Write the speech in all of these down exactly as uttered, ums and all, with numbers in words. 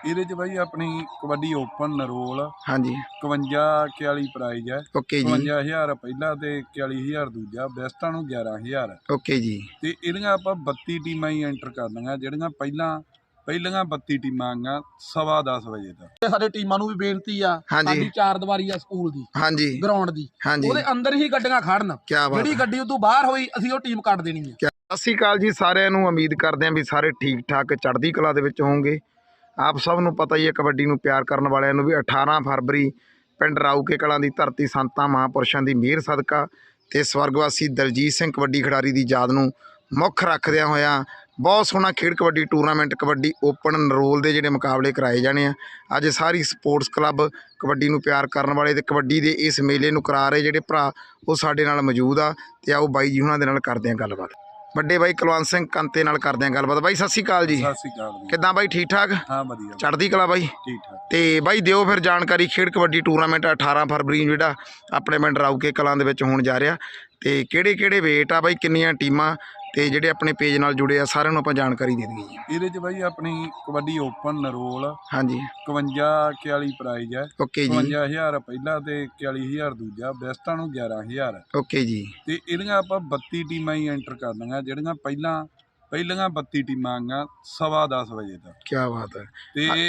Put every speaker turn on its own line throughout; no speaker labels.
ਇਹਦੇ ਚ ਬਾਈ ਆਪਣੀ ਕਬੱਡੀ ਓਪਨ ਨਰੋਲ
ਹਾਂਜੀ
ਇਕਵੰਜਾ ਇਕਤਾਲੀ ਪ੍ਰਾਈਜ਼ ਹੈ।
ਓਕੇ ਜੀ
ਇਕਵੰਜਾ ਹਜ਼ਾਰ ਪਹਿਲਾ ਤੇ ਇਕਤਾਲੀ ਹਜ਼ਾਰ ਦੂਜਾ, ਬੈਸਟਾਂ ਨੂੰ ਗਿਆਰਾਂ ਹਜ਼ਾਰ।
ਓਕੇ ਜੀ।
ਤੇ ਇਹਦੀਆਂ ਆਪਾਂ ਬੱਤੀ ਟੀਮਾਂ ਹੀ ਐਂਟਰ ਕਰਨੀਆਂ ਜਿਹੜੀਆਂ ਪਹਿਲਾਂ ਪਹਿਲੀਆਂ ਬੱਤੀ ਟੀਮਾਂ ਆਈਆਂ ਸਵਾ ਦਸ ਵਜੇ ਤੱਕ।
ਸਾਡੇ ਟੀਮਾਂ ਨੂੰ ਵੀ ਬੇਨਤੀ ਆ, ਸਾਡੀ ਚਾਰ ਦੀਵਾਰੀ ਆ ਸਕੂਲ ਦੀ,
ਹਾਂਜੀ
ਗਰਾਊਂਡ ਦੀ, ਉਹਦੇ ਅੰਦਰ ਹੀ ਗੱਡੀਆਂ ਖੜਨ। ਜਿਹੜੀ ਗੱਡੀ ਉਦੋਂ ਬਾਹਰ ਹੋਈ ਅਸੀਂ ਉਹ ਟੀਮ ਕੱਢ ਦੇਣੀ ਹੈ।
ਸਤਿ ਸ਼੍ਰੀ ਅਕਾਲ ਜੀ ਸਾਰਿਆਂ ਨੂੰ। ਉਮੀਦ ਕਰਦੇ ਹਾਂ ਵੀ ਸਾਰੇ ਠੀਕ ਠਾਕ ਚੜ੍ਹਦੀ ਕਲਾ ਦੇ ਵਿੱਚ ਹੋਵੋਗੇ। ਆਪ ਸਭ ਨੂੰ ਪਤਾ ਹੀ ਹੈ ਕਬੱਡੀ ਨੂੰ ਪਿਆਰ ਕਰਨ ਵਾਲਿਆਂ ਨੂੰ ਵੀ ਅਠਾਰਾਂ ਫਰਵਰੀ ਪਿੰਡ ਰਾਊਕੇ ਕਲਾਂ ਦੀ ਧਰਤੀ ਸੰਤਾਂ ਮਹਾਂਪੁਰਸ਼ਾਂ ਦੀ ਮਿਹਰ ਸਦਕਾ ਤੇ ਸਵਰਗਵਾਸੀ ਦਲਜੀਤ ਸਿੰਘ ਕਬੱਡੀ ਖਿਡਾਰੀ ਦੀ ਯਾਦ ਨੂੰ ਮੁੱਖ ਰੱਖਦਿਆਂ ਹੋਇਆਂ ਬਹੁਤ ਸੋਹਣਾ ਖੇਡ ਕਬੱਡੀ ਟੂਰਨਾਮੈਂਟ ਕਬੱਡੀ ਓਪਨ ਨਰੋਲ ਦੇ ਜਿਹੜੇ ਮੁਕਾਬਲੇ ਕਰਾਏ ਜਾਣੇ ਆ। ਅੱਜ ਸਾਰੀ ਸਪੋਰਟਸ ਕਲੱਬ ਕਬੱਡੀ ਨੂੰ ਪਿਆਰ ਕਰਨ ਵਾਲੇ ਤੇ ਕਬੱਡੀ ਦੇ ਇਸ ਮੇਲੇ ਨੂੰ ਕਰਾ ਰਹੇ ਜਿਹੜੇ ਭਰਾ ਉਹ ਸਾਡੇ ਨਾਲ ਮੌਜੂਦ ਆ ਤੇ ਆਓ ਬਾਈ ਜੀ ਉਹਨਾਂ ਦੇ ਨਾਲ ਕਰਦੇ ਹਾਂ ਗੱਲਬਾਤ। ਵੱਡੇ ਬਾਈ ਕੁਲਵੰਤ ਸਿੰਘ ਕੰਤੇ ਨਾਲ ਕਰਦੇ ਹਾਂ ਗੱਲਬਾਤ। ਬਾਈ ਸਤਿ ਸ਼੍ਰੀ ਅਕਾਲ ਜੀ।
ਸਤਿ ਸ਼੍ਰੀ ਅਕਾਲ ਜੀ।
ਕਿੱਦਾਂ ਬਾਈ, ਠੀਕ ਠਾਕ?
ਹਾਂ ਵਧੀਆ,
ਚੜ੍ਹਦੀ ਕਲਾ ਬਾਈ।
ਠੀਕ ਠਾਕ।
ਤੇ ਬਾਈ ਦਿਓ ਫਿਰ ਜਾਣਕਾਰੀ, ਖੇਡ ਕਬੱਡੀ ਟੂਰਨਾਮੈਂਟ ਅਠਾਰਾਂ ਫਰਵਰੀ ਨੂੰ ਜਿਹੜਾ ਆਪਣੇ ਪਿੰਡ ਰਾਊਕੇ ਕਲਾਂ ਦੇ ਵਿੱਚ ਹੋਣ ਜਾ ਰਿਹਾ ਤੇ ਕਿਹੜੇ ਕਿਹੜੇ ਵੇਟ ਆ ਬਾਈ, ਕਿੰਨੀਆਂ ਟੀਮਾਂ ਤੇ ਜਿਹੜੇ ਆਪਣੇ ਪੇਜ ਨਾਲ ਜੁੜੇ ਆ ਸਾਰਿਆਂ ਨੂੰ ਆਪਾਂ ਜਾਣਕਾਰੀ ਦੇ ਦਈਏ।
ਇਹਦੇ ਚ ਬਾਈ ਆਪਣੀ ਕਬੱਡੀ ਓਪਨ ਨਰੋਲ
ਹਾਂਜੀ
ਇਕਵੰਜਾ ਇਕਤਾਲੀ ਪ੍ਰਾਈਜ਼ ਹੈ।
ਓਕੇ ਜੀ।
ਇਕਵੰਜਾ ਹਜ਼ਾਰ ਪਹਿਲਾ ਤੇ ਇਕਤਾਲੀ ਹਜ਼ਾਰ ਦੂਜਾ, ਬੈਸਟਾਂ ਨੂੰ ਗਿਆਰਾਂ ਹਜ਼ਾਰ।
ਓਕੇ ਜੀ। ਤੇ
ਇਹਦੀਆਂ ਆਪਾਂ ਬੱਤੀ ਟੀਮਾਂ ਹੀ ਐਂਟਰ ਕਰਨੀਆਂ ਜਿਹੜੀਆਂ ਪਹਿਲਾਂ ਪਹਿਲੀਆਂ ਬੱਤੀ ਟੀਮਾਂ ਆਈਆਂ ਸਵਾ ਦਸ ਵਜੇ ਤੱਕ।
ਕੀ ਬਾਤ ਹੈ।
ਤੇ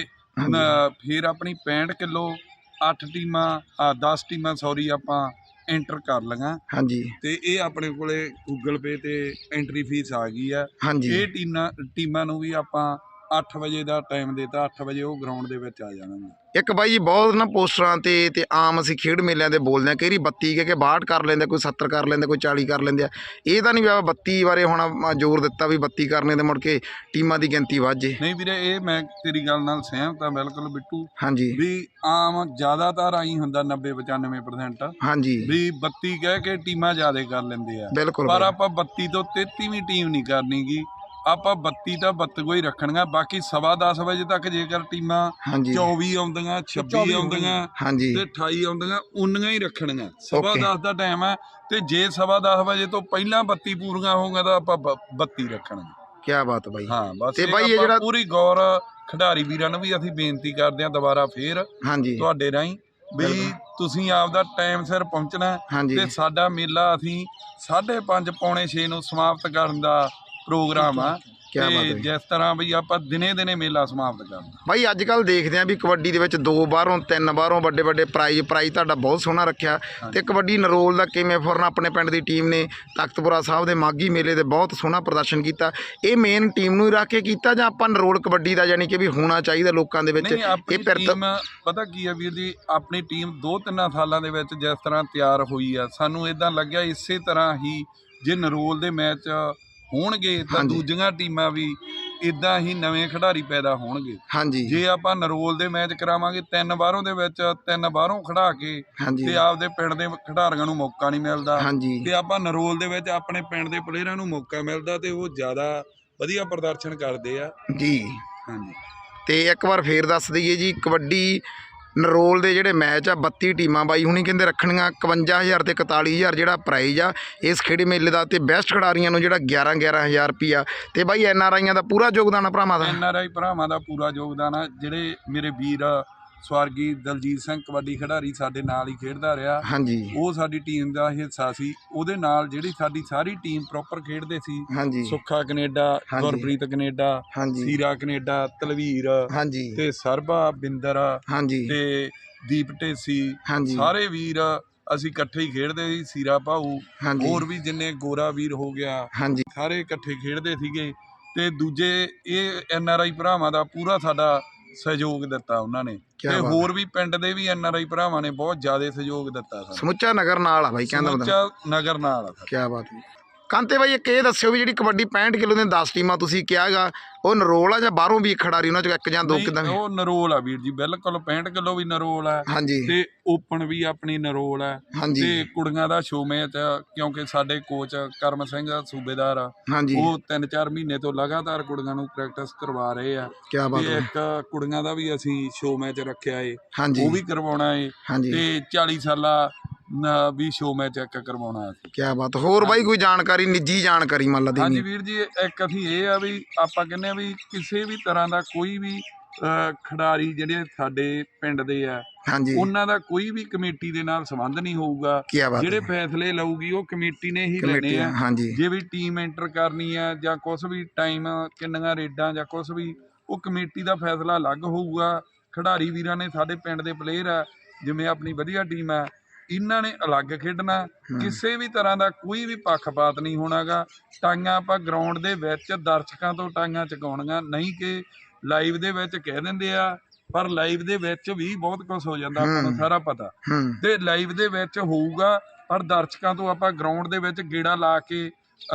ਫਿਰ ਆਪਣੀ ਪੈਂਹਠ ਕਿਲੋ ਅੱਠ ਟੀਮਾਂ ਆ ਦਸ ਟੀਮਾਂ ਸੌਰੀ ਆਪਾਂ ਐਂਟਰ ਕਰ ਲਈਆਂ।
ਹਾਂਜੀ।
ਤੇ ਇਹ ਆਪਣੇ ਕੋਲੇ ਗੂਗਲ ਪੇ ਤੇ ਐਂਟਰੀ ਫੀਸ ਆ ਗਈ ਆ।
ਹਾਂਜੀ।
ਇਹ ਟੀਮਾਂ ਟੀਮਾਂ ਨੂੰ ਵੀ ਆਪਾਂ ਅੱਠ ਵਜੇ ਦਾ ਟਾਈਮ ਦਿੱਤਾ, ਅੱਠ ਵਜੇ ਉਹ ਗਰਾਊਂਡ ਦੇ ਵਿੱਚ ਆ ਜਾਣਗੇ। ਇੱਕ
ਬਾਈ ਜੀ ਬਹੁਤ ਨਾ ਪੋਸਟਰਾਂ ਤੇ ਤੇ ਆਮ ਅਸੀਂ ਖੇਡ ਮੇਲਿਆਂ ਤੇ ਬੋਲਦੇ ਹਾਂ, ਕਈ ਵਾਰੀ ਬੱਤੀ ਕਹਿ ਕੇ ਬਾਹਠ ਕਰ ਲੈਂਦੇ, ਕੋਈ ਸੱਤਰ ਕਰ ਲੈਂਦੇ, ਕੋਈ ਚਾਲੀ ਕਰ ਲੈਂਦੇ ਆ। ਇਹ ਤਾਂ ਨਹੀਂ ਵੀ ਆਪਾਂ ਬੱਤੀ ਬਾਰੇ ਹੁਣ ਜ਼ੋਰ ਦਿੱਤਾ ਵੀ ਬੱਤੀ ਕਰਨੇ ਤੇ ਮੁੜ ਕੇ ਟੀਮਾਂ ਦੀ ਗਿਣਤੀ ਵੱਧ ਜੇ।
ਨਹੀਂ ਵੀਰੇ, ਇਹ ਮੈਂ ਤੇਰੀ ਗੱਲ ਨਾਲ ਸਹਿਮਤ ਹਾਂ ਬਿਲਕੁਲ ਬਿੱਟੂ।
ਹਾਂਜੀ।
ਵੀ ਆਮ ਜ਼ਿਆਦਾਤਰ ਆਈ ਹੁੰਦਾ ਨੱਬੇ ਪਚਾਨਵੇਂ ਪ੍ਰਸੈਂਟ।
ਹਾਂਜੀ।
ਵੀ ਬੱਤੀ ਕਹਿ ਕੇ ਟੀਮਾਂ ਜ਼ਿਆਦਾ ਕਰ ਲੈਂਦੇ ਆ।
ਬਿਲਕੁਲ।
ਪਰ ਆਪਾਂ ਬੱਤੀ ਤੋਂ ਤੇਤੀਵੀਂ ਟੀਮ ਨਹੀਂ ਕਰਨੀ ਗੀ। ਆਪਾਂ ਬੱਤੀ ਤਾਂ ਬੱਤੀਓ ਹੀ ਰੱਖਣੀਆਂ। ਬਾਕੀ ਸਵਾ ਦਸ ਵਜੇ ਤੱਕ ਜੇਕਰ ਟੀਮਾਂ ਚੌਵੀ ਆਉਂਦੀਆਂ, ਛੱਬੀ ਆਉਂਦੀਆਂ ਤੇ ਅਠਾਈ ਆਉਂਦੀਆਂ, ਉਨੀਆਂ ਹੀ ਰੱਖਣੀਆਂ। ਸਵਾ ਦਸ ਦਾ ਟਾਈਮ ਹੈ ਤੇ ਜੇ ਸਵਾ ਦਸ ਵਜੇ ਤੋਂ ਪਹਿਲਾਂ ਬੱਤੀ ਪੂਰੀਆਂ ਹੋਊਗਾ ਤਾਂ ਆਪਾਂ ਬੱਤੀ ਰੱਖਣਗੇ।
ਕੀ ਬਾਤ ਬਾਈ।
ਹਾਂ ਬਸ
ਤੇ ਬਾਈ ਇਹ ਜਿਹੜਾ
ਪੂਰੀ ਗੌਰ ਖਿਡਾਰੀ ਵੀਰਾਂ ਨੂੰ ਵੀ ਅਸੀਂ ਬੇਨਤੀ ਕਰਦੇ ਹਾਂ ਦੁਬਾਰਾ ਫੇਰ ਤੁਹਾਡੇ ਰਾਹੀਂ ਵੀ ਤੁਸੀਂ ਆਪਦਾ ਟਾਈਮ ਸਿਰ ਪਹੁੰਚਣਾ ਤੇ ਸਾਡਾ ਮੇਲਾ ਅਸੀਂ ਸਾਢੇ ਪੰਜ ਪੌਣੇ ਛੇ ਨੂੰ ਸਮਾਪਤ ਕਰਨ ਦਾ ਪ੍ਰੋਗਰਾਮ ਆ। ਤੇ ਜਿਸ ਤਰ੍ਹਾਂ ਵੀ ਆਪਾਂ ਦਿਨੇ ਦਿਨੇ ਮੇਲਾ ਸਮਾਪਤ ਕਰਨਾ। ਬਾਈ
ਅੱਜ ਕੱਲ੍ਹ ਦੇਖਦੇ ਆ ਵੀ ਕਬੱਡੀ ਦੇ ਵਿੱਚ ਦੋ ਬਾਹਰੋਂ ਤਿੰਨ ਬਾਹਰੋਂ ਵੱਡੇ ਵੱਡੇ ਪ੍ਰਾਈਜ਼ ਪ੍ਰਾਈਜ਼ ਤੁਹਾਡਾ ਬਹੁਤ ਸੋਹਣਾ ਰੱਖਿਆ ਤੇ ਕਬੱਡੀ ਨਰੋਲ ਦਾ ਕਿਵੇਂ ਫੁਰਨ ਆਪਣੇ ਪਿੰਡ ਦੀ ਟੀਮ ਨੇ ਤਖਤਪੁਰਾ ਸਾਹਿਬ ਦੇ ਮਾਘੀ ਮੇਲੇ ਦੇ ਬਹੁਤ ਸੋਹਣਾ ਪ੍ਰਦਰਸ਼ਨ ਕੀਤਾ। ਇਹ ਮੇਨ ਟੀਮ ਨੂੰ ਹੀ ਰੱਖ ਕੇ ਕੀਤਾ ਜਾਂ ਆਪਾਂ ਨਰੋਲ ਕਬੱਡੀ ਦਾ ਯਾਨੀ ਕਿ ਵੀ ਹੋਣਾ ਚਾਹੀਦਾ ਲੋਕਾਂ ਦੇ ਵਿੱਚ?
ਇਹ ਟੀਮ ਪਤਾ ਕੀ ਆ ਵੀਰ ਜੀ, ਆਪਣੀ ਟੀਮ ਦੋ ਤਿੰਨਾਂ ਸਾਲਾਂ ਦੇ ਵਿੱਚ ਜਿਸ ਤਰ੍ਹਾਂ ਤਿਆਰ ਹੋਈ ਆ, ਸਾਨੂੰ ਇਦਾਂ ਲੱਗਿਆ ਇਸੇ ਤਰ੍ਹਾਂ ਹੀ ਜੇ ਨਰੋਲ ਦੇ ਮੈਚ ਹੋਣਗੇ ਤਾਂ ਦੂਜੀਆਂ ਟੀਮਾਂ ਵੀ ਇਦਾਂ ਹੀ ਨਵੇਂ ਖਿਡਾਰੀ ਪੈਦਾ ਹੋਣਗੇ। ਹਾਂਜੀ। ਜੇ ਆਪਾਂ ਨਰੋਲ ਦੇ ਮੈਚ ਕਰਾਵਾਂਗੇ ਤਿੰਨ ਬਾਹਰੋਂ ਦੇ ਵਿੱਚ ਤਿੰਨ ਬਾਹਰੋਂ ਖੜਾ ਕੇ ਤੇ ਆਪਦੇ ਪਿੰਡ ਦੇ ਖਿਡਾਰੀਆਂ ਨੂੰ ਮੌਕਾ ਨਹੀਂ ਮਿਲਦਾ ਤੇ ਆਪਾਂ ਨਰੋਲ ਦੇ ਵਿੱਚ ਆਪਣੇ ਪਿੰਡ ਦੇ ਪਲੇਅਰਾਂ ਨੂੰ ਮੌਕਾ ਮਿਲਦਾ ਤੇ ਉਹ ਜ਼ਿਆਦਾ ਵਧੀਆ ਪ੍ਰਦਰਸ਼ਨ ਕਰਦੇ ਆ ਜੀ। ਹਾਂਜੀ। ਤੇ ਇੱਕ ਵਾਰ ਫੇਰ ਦੱਸ ਦਈਏ ਜੀ, ਕਬੱਡੀ ਨਰੋਲ ਦੇ ਜਿਹੜੇ ਮੈਚ ਆ ਬੱਤੀ ਟੀਮਾਂ ਬਾਈ ਹੁਣੀ ਕਹਿੰਦੇ ਰੱਖਣੀਆਂ। ਇਕਵੰਜਾ ਹਜ਼ਾਰ ਤੇ ਇਕਤਾਲੀ ਹਜ਼ਾਰ ਜਿਹੜਾ ਪ੍ਰਾਈਜ਼ ਆ ਇਸ ਖੇਡ ਮੇਲੇ ਦਾ ਤੇ ਬੈਸਟ ਖਿਡਾਰੀਆਂ ਨੂੰ ਜਿਹੜਾ ਗਿਆਰਾਂ ਗਿਆਰਾਂ ਹਜ਼ਾਰ ਰੁਪਈਆ। ਤੇ ਬਾਈ ਐਨ ਆਰ ਆਈਆਂ ਦਾ ਪੂਰਾ ਯੋਗਦਾਨ ਆ, ਭਰਾਵਾਂ ਦਾ ਐਨ ਆਰ ਆਈ ਭਰਾਵਾਂ ਦਾ ਪੂਰਾ ਯੋਗਦਾਨ ਆ। ਜਿਹੜੇ ਮੇਰੇ ਵੀਰ ਸਵਰਗੀ ਦਲਜੀਤ ਸਿੰਘ ਕਬੱਡੀ ਖਿਡਾਰੀ ਸਾਡੇ ਨਾਲ ਹੀ ਖੇਡਦਾ ਰਿਹਾ। ਹਾਂਜੀ। ਉਹ ਸਾਡੀ ਟੀਮ ਦਾ ਹਿੱਸਾ ਸੀ। ਉਹਦੇ ਨਾਲ ਜਿਹੜੀ ਸਾਡੀ ਸਾਰੀ ਟੀਮ ਪ੍ਰੋਪਰ ਖੇਡਦੇ ਸੀ। ਹਾਂਜੀ। Sukha Canada, Gurpreet Canada, Seera Canada, Talvir ਤੇ ਸਰਬਾ ਬਿੰਦਰ ਤੇ ਦੀਪ ਢੇਸੀ, ਸਾਰੇ ਵੀਰ ਅਸੀਂ ਇਕੱਠੇ ਹੀ ਖੇਡਦੇ ਸੀ। ਸੀਰਾ ਭਾਊ, ਹੋਰ ਵੀ ਜਿੰਨੇ ਗੋਰਾ ਵੀਰ ਹੋ ਗਿਆ, ਸਾਰੇ ਇਕੱਠੇ ਖੇਡਦੇ ਸੀਗੇ। ਤੇ ਦੂਜੇ ਇਹ ਐਨ ਆਰ ਆਈ ਭਰਾਵਾਂ ਦਾ ਪੂਰਾ ਸਾਡਾ ਸਹਿਯੋਗ ਦਿੱਤਾ ਉਹਨਾਂ ਨੇ ਤੇ ਹੋਰ ਵੀ ਪਿੰਡ ਦੇ ਵੀ ਐਨ ਆਰ ਆਈ ਭਰਾਵਾਂ ਨੇ ਬਹੁਤ ਜ਼ਿਆਦਾ ਸਹਿਯੋਗ ਦਿੱਤਾ। ਸਮੁੱਚਾ ਨਗਰ ਨਾਲ ਆ ਬਾਈ, ਕਹਿੰਦਾ ਸਮੁੱਚਾ ਨਗਰ ਨਾਲ ਆ। ਕੀ ਬਾਤ ਹੈ। ਕਾਂਤੇ ਬਾਈ ਇੱਕ ਇਹ ਦੱਸਿਓ ਵੀ ਜਿਹੜੀ ਕਬੱਡੀ ਪੈਂਹਠ ਕਿਲੋ ਦੀਆਂ ਦਸ ਟੀਮਾਂ ਤੁਸੀਂ ਕਿਹਾ ਹੈਗਾ ਉਹ ਨਰੋਲ ਆ ਜਾਂ ਬਾਹਰੋਂ ਵੀ ਖਿਡਾਰੀ ਉਹਨਾਂ ਚੋਂ ਇੱਕ ਜਾਂ ਦੋ? ਕਿਦਾਂ? ਉਹ ਨਰੋਲ ਆ ਵੀਰ ਜੀ, ਬਿਲਕੁਲ ਪੈਂਹਠ ਕਿਲੋ ਵੀ ਨਰੋਲ ਆ। ਹਾਂਜੀ। ਤੇ ਓਪਨ ਵੀ ਆਪਣੀ ਨਰੋਲ ਆ। ਹਾਂਜੀ। ਤੇ ਕੁੜੀਆਂ ਦਾ ਸ਼ੋ ਮੈਚ ਕਿਉਂਕਿ ਸਾਡੇ ਕੋਚ ਕਰਮ ਸਿੰਘ ਸੂਬੇਦਾਰ ਆ, ਉਹ ਤਿੰਨ ਚਾਰ ਮਹੀਨੇ ਤੋਂ ਲਗਾਤਾਰ ਕੁੜੀਆਂ ਨੂੰ ਪ੍ਰੈਕਟਿਸ ਕਰਵਾ ਰਹੇ ਆ। ਕੀ ਬਾਤ ਹੈ। ਇੱਕ ਕੁੜੀਆਂ ਦਾ ਵੀ ਅਸੀਂ ਸ਼ੋ ਮੈਚ ਰੱਖਿਆ ਏ, ਉਹ ਵੀ ਕਰਵਾਉਣਾ ਏ। ਤੇ ਚਾਲੀ ਸਾਲਾ ਵੀ ਸ਼ੋ ਮੈਚ ਇੱਕ ਕਰਵਾਉਣਾ। ਕੀ ਬਾਤ। ਹੋਰ ਬਾਈ ਕੋਈ ਜਾਣਕਾਰੀ, ਨਿੱਜੀ ਜਾਣਕਾਰੀ ਮੰਨ ਲਾ? ਹਾਂਜੀ ਵੀਰ ਜੀ, ਇੱਕ ਅਸੀਂ ਇਹ ਆ ਵੀ ਆਪਾਂ ਕਹਿੰਦੇ ਆ ਵੀ ਕਿਸੇ ਵੀ ਤਰ੍ਹਾਂ ਦਾ ਕੋਈ ਵੀ ਅਹ ਖਿਡਾਰੀ ਜਿਹੜੇ ਸਾਡੇ ਪਿੰਡ ਦੇ ਆ
ਹਾਂਜੀ
ਉਹਨਾਂ ਦਾ ਕੋਈ ਵੀ ਕਮੇਟੀ ਦੇ ਨਾਲ ਸੰਬੰਧ ਨਹੀਂ ਹੋਊਗਾ।
ਕੀ ਬਾਤ
ਜਿਹੜੇ
ਹੈ
ਫੈਸਲੇ ਲਊਗੀ ਉਹ ਕਮੇਟੀ ਨੇ ਹੀ
ਕਮੇਟੀ
ਲੈਣੇ ਆ।
ਹਾਂਜੀ
ਜੇ ਵੀ ਟੀਮ ਐਂਟਰ ਕਰਨੀ ਆ ਜਾਂ ਕੁਝ ਵੀ ਟਾਈਮ ਕਿੰਨੀਆਂ ਰੇਡਾਂ ਜਾਂ ਕੁਝ ਵੀ, ਉਹ ਕਮੇਟੀ ਦਾ ਫੈਸਲਾ ਅਲੱਗ ਹੋਊਗਾ। ਖਿਡਾਰੀ ਵੀਰਾਂ ਨੇ ਸਾਡੇ ਪਿੰਡ ਦੇ ਪਲੇਅਰ ਆ, ਜਿਵੇਂ ਆਪਣੀ ਵਧੀਆ ਟੀਮ ਆ, ਇਹਨਾਂ ਨੇ ਅਲੱਗ ਖੇਡਣਾ। ਕਿਸੇ ਵੀ ਤਰ੍ਹਾਂ ਦਾ ਕੋਈ ਵੀ ਪੱਖਪਾਤ ਨਹੀਂ ਹੋਣਾਗਾ। ਟਾਂਗਾਂ ਆਪਾਂ ਗਰਾਊਂਡ ਦੇ ਵਿੱਚ ਦਰਸ਼ਕਾਂ ਤੋਂ ਟਾਂਗਾਂ ਚੁਕਾਉਣੀਆਂ ਨਹੀਂ ਕਿ ਲਾਈਵ ਦੇ ਵਿੱਚ ਕਹਿ ਦਿੰਦੇ ਆ, ਪਰ ਲਾਈਵ ਦੇ ਵਿੱਚ ਵੀ ਬਹੁਤ ਕੁਝ ਹੋ ਜਾਂਦਾ, ਆਪਾਂ ਨੂੰ ਸਾਰਾ ਪਤਾ। ਤੇ ਲਾਈਵ ਦੇ ਵਿੱਚ ਹੋਊਗਾ, ਪਰ ਦਰਸ਼ਕਾਂ ਤੋਂ ਆਪਾਂ ਗਰਾਊਂਡ ਦੇ ਵਿੱਚ ਗੇੜਾ ਲਾ ਕੇ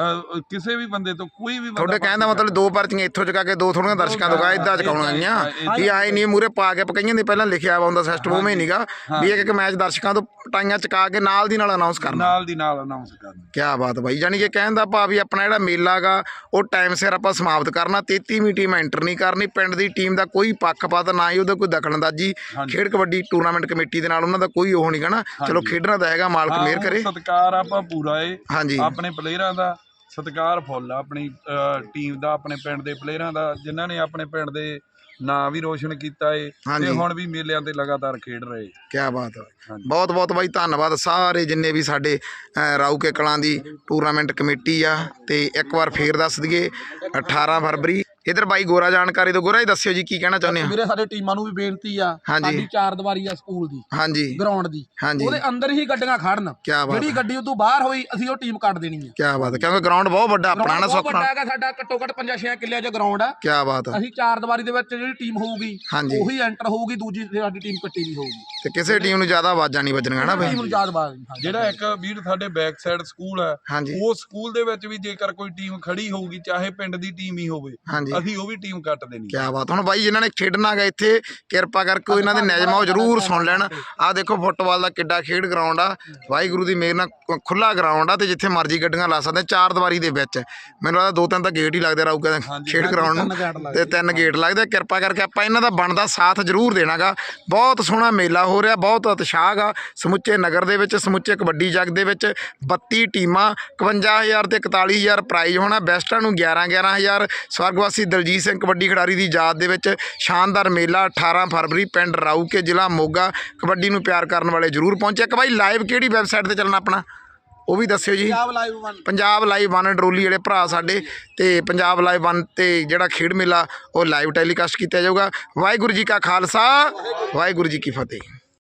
ਕਿਸੇ ਵੀ ਬੰਦੇ ਤੋਂ ਕੋਈ ਵੀ
ਤੁਹਾਡੇ ਕਹਿਣ ਦਾ ਮਤਲਬ ਦੋ ਪਰਚੀਆਂ ਇੱਥੋਂ ਚੁਕਾ ਕੇ ਦੋ ਥੋੜੀਆਂ ਦਰਸ਼ਕਾਂ ਤੋਂ ਗਾ ਇਦਾਂ ਚੁਕਾਉਣੀਆਂ ਵੀ ਆਏ ਨਹੀਂ ਮੂਰੇ ਪਾ ਕੇ ਪਕਾਈਆਂ ਦੇ ਪਹਿਲਾਂ ਲਿਖਿਆ ਵਾ ਹੁੰਦਾ ਸਿਸਟਮ ਉਵੇਂ ਨਹੀਂਗਾ ਵੀ ਇੱਕ ਇੱਕ ਮੈਚ ਦਰਸ਼ਕਾਂ ਤੋਂ ਟਾਈਆਂ ਚੁਕਾ ਕੇ ਨਾਲ ਦੀ ਨਾਲ ਅਨਾਉਂਸ ਕਰਨਾ,
ਨਾਲ ਦੀ ਨਾਲ ਅਨਾਉਂਸ ਕਰਨਾ।
ਕੀ ਬਾਤ ਬਾਈ, ਯਾਨੀ ਕਿ ਕਹਿਣ ਦਾ ਭਾਵ ਵੀ ਆਪਣਾ ਜਿਹੜਾ ਮੇਲਾ ਗਾ ਉਹ ਟਾਈਮ ਸਿਰ ਆਪਾਂ ਸਮਾਪਤ ਕਰਨਾ। ਤੇਤੀਵੀਂ ਟੀਮ ਐਂਟਰ ਨਹੀਂ ਕਰਨੀ, ਪਿੰਡ ਦੀ ਟੀਮ ਦਾ ਕੋਈ ਪੱਖਪਾਤ ਨਾ ਹੀ ਉਹਦਾ ਕੋਈ ਦਖਲਅੰਦਾਜ਼ੀ। ਖੇਡ ਕਬੱਡੀ ਟੂਰਨਾਮੈਂਟ ਕਮੇਟੀ ਦੇ ਨਾਲ ਉਹਨਾਂ ਦਾ ਕੋਈ ਉਹ ਨਹੀਂ ਗਾ ਨਾ। ਚਲੋ ਖੇਡਣਾ ਤਾਂ ਹੈਗਾ, ਮਾਲਕ ਮਿਹਰ ਕਰੇ।
ਸਤਿਕਾਰ ਆਪਾਂ ਪੂਰਾ ਏ
ਹਾਂਜੀ
ਆਪਣੇ ਪਲੇਅਰਾਂ ਦਾ, ਸਤਿਕਾਰ ਫੁੱਲ ਆਪਣੀ ਟੀਮ ਦਾ, ਆਪਣੇ ਪਿੰਡ ਦੇ ਪਲੇਅਰਾਂ ਦਾ ਜਿਨ੍ਹਾਂ ਨੇ ਆਪਣੇ ਪਿੰਡ ਦੇ ਨਾਂ ਵੀ ਰੋਸ਼ਨ ਕੀਤਾ ਏ ਤੇ ਹੁਣ ਵੀ ਮੇਲਿਆਂ ਤੇ ਲਗਾਤਾਰ ਖੇਡ ਰਹੇ।
ਕੀ ਬਾਤ ਹੈ, ਬਹੁਤ ਬਹੁਤ ਬਾਈ ਧੰਨਵਾਦ ਸਾਰੇ ਜਿੰਨੇ ਵੀ ਸਾਡੇ ਰਾਊਕੇ ਕਲਾਂ ਦੀ ਟੂਰਨਾਮੈਂਟ ਕਮੇਟੀ ਆ। ਤੇ ਇੱਕ ਵਾਰ ਫੇਰ ਦੱਸ ਦਈਏ ਅਠਾਰਾਂ ਫਰਵਰੀ। ਇਧਰ ਬਾਈ ਗੋਰਾ ਜਾਣਕਾਰੀ ਤੋਂ, ਗੋਰਾ ਹੀ ਦੱਸਿਓ ਜੀ ਕੀ ਕਹਿਣਾ ਚਾਹੁੰਦੇ ਆ।
ਵੀਰੇ ਸਾਡੇ ਟੀਮਾਂ ਨੂੰ ਵੀ ਬੇਨਤੀ ਆ, ਸਾਡੀ ਚਾਰ ਦੀਵਾਰੀ ਆ ਸਕੂਲ ਦੀ,
ਹਾਂਜੀ
ਗਰਾਊਂਡ ਦੀ,
ਹਾਂਜੀ
ਉਹਦੇ ਅੰਦਰ ਹੀ ਗੱਡੀਆਂ ਖੜਨ। ਜਿਹੜੀ ਗੱਡੀ ਉਦੋਂ ਬਾਹਰ ਹੋਈ ਅਸੀਂ ਉਹ ਟੀਮ ਕੱਢ ਦੇਣੀ ਹੈ।
ਕੀ ਬਾਤ ਹੈ, ਕਿਉਂਕਿ ਗਰਾਊਂਡ ਬਹੁਤ ਵੱਡਾ ਆਪਣਾ ਨਾ
ਸੁੱਖ ਵੱਡਾ ਹੈਗਾ ਸਾਡਾ, ਘੱਟੋ ਘੱਟ ਪੰਜਾਂ ਛੇ ਕਿੱਲਿਆਂ 'ਚ ਗਰਾਊਂਡ ਆ।
ਕੀ ਬਾਤ ਹੈ,
ਅਸੀਂ ਚਾਰ ਦੀਵਾਰੀ ਦੇ ਵਿੱਚ ਜਿਹੜੀ ਟੀਮ ਹੋਊਗੀ ਉਹੀ ਐਂਟਰ ਹੋਊਗੀ, ਦੂਜੀ ਸਾਡੀ ਟੀਮ ਕੱਟੀ ਵੀ ਹੋਊਗੀ
ਤੇ ਕਿਸੇ ਟੀਮ ਨੂੰ ਜ਼ਿਆਦਾ ਆਵਾਜ਼ਾਂ ਨਹੀਂ ਵੱਜਣੀਆਂ ਨਾ ਬਈ।
ਜਿਹੜਾ ਇੱਕ ਵੀਰ ਸਾਡੇ ਬੈਕ ਸਾਈਡ ਸਕੂਲ ਹੈ, ਉਹ ਸਕੂਲ ਦੇ ਵਿੱਚ ਵੀ ਜੇਕਰ ਕੋਈ ਟੀਮ ਖੜੀ ਹੋਊਗੀ, ਚਾਹੇ ਪਿੰਡ ਦੀ ਟੀਮ ਹੀ ਹੋਵੇ, ਅਸੀਂ ਉਹ ਵੀ ਟੀਮ ਕੱਟ ਦੇਣੀ।
ਕੀ ਬਾਤ। ਹੁਣ ਬਾਈ ਜਿਨ੍ਹਾਂ ਨੇ ਖੇਡਣਾ ਗਾ ਇੱਥੇ ਕਿਰਪਾ ਕਰਕੇ ਇਹਨਾਂ ਦੇ ਨਿਯਮਾਂ ਉਹ ਜ਼ਰੂਰ ਸੁਣ ਲੈਣ। ਆਹ ਦੇਖੋ ਫੁੱਟਬਾਲ ਦਾ ਕਿੱਡਾ ਖੇਡ ਗਰਾਊਂਡ ਆ, ਵਾਹਿਗੁਰੂ ਦੀ ਮਿਹਰ ਨਾਲ ਖੁੱਲਾ ਗਰਾਊਂਡ ਆ ਤੇ ਜਿੱਥੇ ਮਰਜ਼ੀ ਗੱਡੀਆਂ ਲਾ ਸਕਦੇ। ਚਾਰ ਦੀਵਾਰੀ ਦੇ ਵਿੱਚ ਮੈਨੂੰ ਲੱਗਦਾ ਦੋ ਤਿੰਨ ਤਾਂ ਗੇਟ ਹੀ ਲੱਗਦੇ ਰਹੂਗਾ ਖੇਡ ਗਰਾਊਂਡ ਨੂੰ, ਤੇ ਤਿੰਨ ਗੇਟ ਲੱਗਦੇ। ਕਿਰਪਾ ਕਰਕੇ ਆਪਾਂ ਇਹਨਾਂ ਦਾ ਬਣਦਾ ਸਾਥ ਜ਼ਰੂਰ ਦੇਣਾਗਾ। ਬਹੁਤ ਸੋਹਣਾ ਮੇਲਾ ਹੋ ਰਿਹਾ, ਬਹੁਤ ਉਤਸ਼ਾਹ ਗਾ ਸਮੁੱਚੇ ਨਗਰ ਦੇ ਵਿੱਚ, ਸਮੁੱਚੇ ਕਬੱਡੀ ਜੱਗ ਦੇ ਵਿੱਚ। ਬੱਤੀ ਟੀਮਾਂ, ਇਕਵੰਜਾ ਹਜ਼ਾਰ ਤੇ ਇਕਤਾਲੀ ਹਜ਼ਾਰ ਪ੍ਰਾਈਜ਼ ਹੋਣਾ। ਬੈਸਟਾਂ ਨੂੰ ਗਿਆਰਾਂ ਗਿਆਰਾਂ ਹਜ਼ਾਰ। ਸਵਰਗਵਾਸੀ ਦਲਜੀਤ ਸਿੰਘ ਕਬੱਡੀ ਖਿਡਾਰੀ ਦੀ ਯਾਦ ਦੇ ਵਿੱਚ ਸ਼ਾਨਦਾਰ ਮੇਲਾ ਅਠਾਰਾਂ ਫਰਵਰੀ ਪਿੰਡ ਰਾਊਕੇ ਜ਼ਿਲ੍ਹਾ ਮੋਗਾ। ਕਬੱਡੀ ਨੂੰ ਪਿਆਰ ਕਰਨ ਵਾਲੇ ਜ਼ਰੂਰ ਪਹੁੰਚੇ। ਇੱਕ ਬਾਈ ਲਾਈਵ ਕਿਹੜੀ ਵੈਬਸਾਈਟ ਤੇ ਚੱਲਣਾ ਆਪਣਾ ਉਹ ਵੀ ਦੱਸਿਓ ਜੀ। ਪੰਜਾਬ ਲਾਈਵ ਵਨ ਡਰੋਲੀ ਜਿਹੜੇ ਭਰਾ ਸਾਡੇ, ਤੇ ਪੰਜਾਬ ਲਾਈਵ ਵਨ ਤੇ ਜਿਹੜਾ ਖੇਡ ਮੇਲਾ ਉਹ ਲਾਈਵ ਟੈਲੀਕਾਸਟ ਕੀਤਾ ਜਾਊਗਾ। ਵਾਹਿਗੁਰੂ ਜੀ ਕਾ ਖਾਲਸਾ, ਵਾਹਿਗੁਰੂ ਜੀ ਕੀ ਫਤਿਹ।